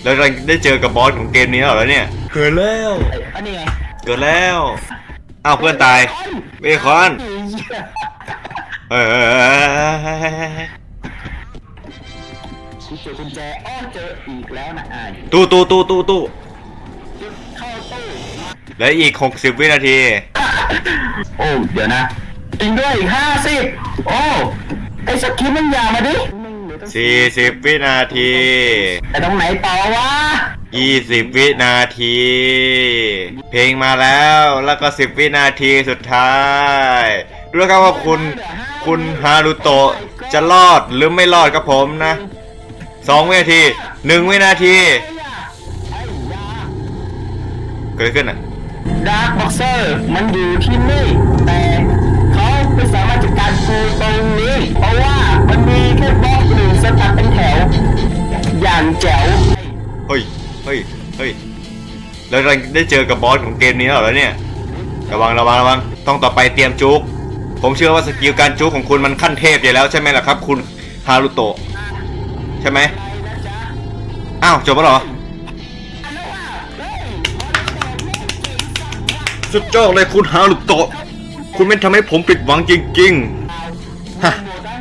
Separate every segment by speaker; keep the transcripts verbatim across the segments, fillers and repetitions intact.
Speaker 1: แล้วเราได้เจอกับบอสของเกมนี้แล้วเหรอเนี่ยเกิดแล้ว
Speaker 2: อันนี้ไง
Speaker 1: เกิดแล้วอ้าวเพื่อนตายเบคอนเฮ้ย
Speaker 2: กูเจอกุญแจอ้อเจออีกแล้วนะอ่าน
Speaker 1: ตู้ตู้ตู้ตู้ตู้
Speaker 2: เข้าตู้
Speaker 1: และอีกหกสิบวินาที
Speaker 2: โอ้เดี๋ยวนะจริงด้วยอีกห้าสิบโอ้ไอสกิปมันยาวมาดิ
Speaker 1: สี่สิบวินาที
Speaker 2: แต่ตรงไหนต่อวะ
Speaker 1: ยี่สิบวินาที เพลงมาแล้วแล้วก็สิบวินาทีสุดท้ายดูแล้วครับว่าคุณคุณฮารุโตะจะรอดหรือไม่รอดกับผมนะสองวินาทีหนึ่งวินาทีเกิดอะไรขึ้นอ่ะ
Speaker 2: ดาร์คบ็อกเซอร์มันอยู่ที่นี่แต่เขาไม่สามารถจัดการกูตรงนี้เพราะว่ามันมีแค่บล็อกหนึ่งสตัดเป็นแถวอย่างแจ๋ว
Speaker 1: เฮ้ยเฮ้ยเฮ้ยแล้วเราได้เจอกับบอสของเกมนี้แล้วเหรอเนี่ยระวังระวังระวังต้องต่อไปเตรียมจุกผมเชื่อว่าสกิลการจุกของคุณมันขั้นเทพอยู่แล้วใช่ไหมล่ะครับคุณฮารุโตะใช่ไหมอ้าวจบแล้วเหรอสุดยอดเลยคุณฮารุโตะคุณไม่ทำให้ผมผิดหวังจริงๆฮะ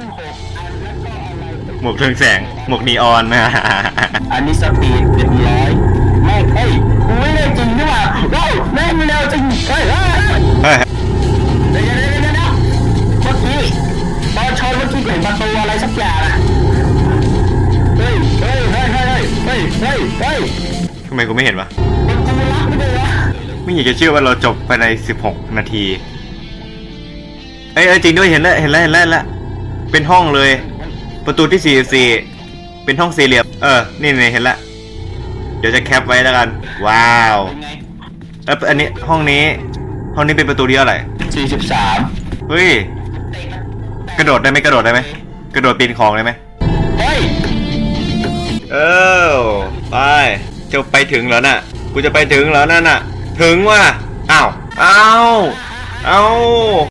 Speaker 1: หมวกเรืองแสงหมวกนีออนนะ
Speaker 2: อันนี้สปีดเรียบร้อยไม่เฮ้ยกูไม่ได้จริงนี่หว่าเฮ้ยแม่งเร็วจริงเฮ้ยเฮ้ย
Speaker 1: เฮ้ย
Speaker 2: เดี๋ยวเดี๋ยวเดี๋ยวเดี๋ยวเมื่อกี้ตอนชนเมื่อกี้เห็นประตูอะไรสักอย่างอะเฮ้ยเฮ้ยเฮ้ยเฮ้ยเฮ้ยเฮ้ยเฮ้ย
Speaker 1: ทำไมกูไม่เห็นวะ
Speaker 2: มันกูรักไม่ได้วะ
Speaker 1: ไม่อยากจะเชื่อว่าเราจบภายในสิบหกนาทีเอ้ยเอ้ยจริงด้วยเห็นแล้วเห็นแล้วเห็นแล้วเห็นแล้วเป็นห้องเลย ประตูที่สี่สิบสี่เป็นห้องสี่เหลี่ยมเออนี่นี่เห็นแล้วเดี๋ยวจะแคปไว้แล้วกันว้าว
Speaker 2: เป็นไง
Speaker 1: แล้วอันนี้ห้องนี้ห้องนี้เป็นประตูที่เท่าไหร่
Speaker 2: สี่สิบสาม
Speaker 1: เฮ้ยกระโดดได้ไหมกระโดดได้ไหมกระโดดปีนของได้ไหม
Speaker 2: เฮ้ย
Speaker 1: เออไปจะไปถึงแล้วน่ะกูจะไปถึงแล้วนั่นน่ะถึงว่ะอ้าวอ้าวอ้าว